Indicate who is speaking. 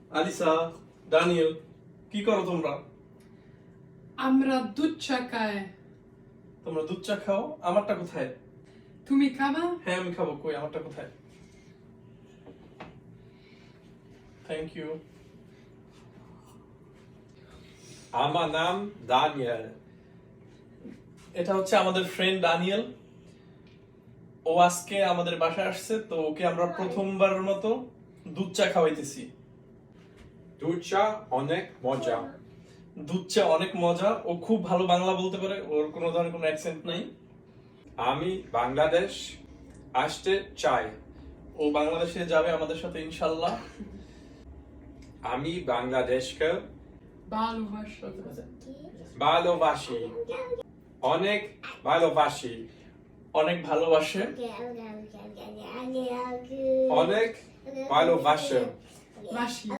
Speaker 1: আলিসা, Daniel, কি করো তোমরা?
Speaker 2: আমরা দুধ চা খাই।
Speaker 1: তোমরা দুধ চা খাও? আমারটা কোথায়?
Speaker 2: তুমি খাবা?
Speaker 1: হ্যাঁ আমি খাবো। কই আমারটা কোথায়? Thank you.
Speaker 3: আমার নাম দানিয়েল।
Speaker 1: এটা হচ্ছে আমাদের ফ্রেন্ড ডানিয়েল। ও আজকে আমাদের বাসায় আসছে, তো ওকে আমরা প্রথমবারের মতো দুধ চা খাওয়াইতেছি।
Speaker 3: দুধ চা অনেক মজা।
Speaker 1: দুধ চা অনেক মজা। ও খুব ভালো বাংলা বলতে পারে, ওর কোনো ধরনের কোনো অ্যাকসেন্ট নাই।
Speaker 3: আমি বাংলাদেশ আসতে চাই।
Speaker 1: ও বাংলাদেশে যাবে আমাদের সাথে ইনশাল্লাহ।
Speaker 3: আমি বাংলাদেশকে
Speaker 2: ভালোবাসা।
Speaker 3: ভালোবাসি, অনেক ভালোবাসি,
Speaker 1: অনেক ভালোবাসে।
Speaker 3: অনেক ভালোবাসে।
Speaker 2: বাসি।